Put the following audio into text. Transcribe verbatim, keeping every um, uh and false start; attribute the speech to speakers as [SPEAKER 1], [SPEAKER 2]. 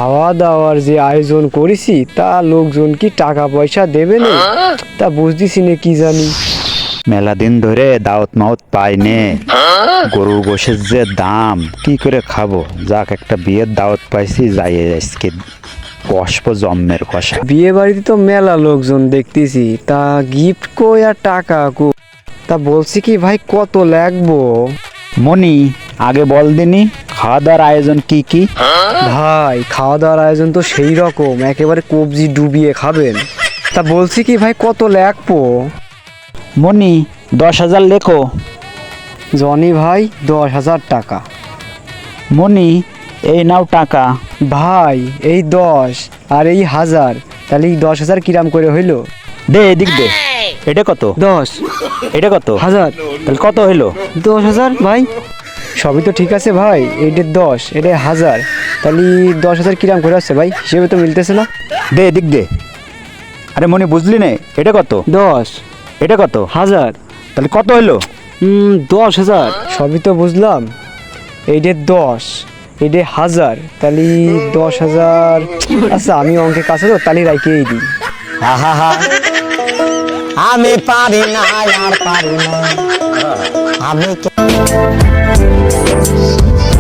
[SPEAKER 1] খাওয়া দাওয়ার যে আয়োজন করেছি তা লোকজন কি টাকা পয়সা দেবে না তা বুঝতেছি না কি জানি।
[SPEAKER 2] মেলা দিন ধরে দাওয়াত মাওত পাইনে, গরু গোশের যে দাম কি করে খাবো। যাক একটা বিয়ের দাওয়াত পাইছি, যাই আজকে কষবো জম্মের কষা।
[SPEAKER 1] বিয়ে বাড়িতে তো মেলা লোকজন দেখতেছি, তা গিফট কই আর টাকা কো, তা বলছি কি ভাই কত লাগবো?
[SPEAKER 2] মনি আগে বল দিনি খাওয়া দাওয়ার আয়োজন কি কি?
[SPEAKER 1] ভাই খাওয়া দাওয়ার আয়োজন তো সেই রকম, একেবারে কবজি ডুবিয়ে খাবেন। তা বলছি কি ভাই কত লাগবো?
[SPEAKER 2] মনি দশ হাজার লেখো।
[SPEAKER 1] জনি ভাই দশ হাজার টাকা।
[SPEAKER 2] মনি এই নাও টাকা।
[SPEAKER 1] ভাই এই দশ আর এই হাজার, তাহলে এই দশ হাজার কিরাম করে হইলো?
[SPEAKER 2] দে এদিক দে, এটা কত?
[SPEAKER 1] দশ
[SPEAKER 2] এটা কত?
[SPEAKER 1] হাজার।
[SPEAKER 2] তাহলে কত হইলো?
[SPEAKER 1] দশ হাজার ভাই। সবই তো ঠিক আছে ভাই, এইটা দশ এটা হাজার, তাহলে দশ হাজার কিরাম করে আসছে ভাই? হিসেবে তো মিলতেছে না।
[SPEAKER 2] দে এদিক দে। আরে মনি বুঝলি নে, এটা কত?
[SPEAKER 1] দশ
[SPEAKER 2] এটা কত?
[SPEAKER 1] হাজার।
[SPEAKER 2] তাহলে কত হইলো?
[SPEAKER 1] হুম দশ হাজার। সবই তো বুঝলাম, এইটা দশ এইটা হাজার, তাহলে দশ হাজার। আচ্ছা আমি অঙ্কের কাছে তো তাহলে রাখিয়েই দিই।
[SPEAKER 3] হা হা হা আমি পারি না আর পারি না আমি কে-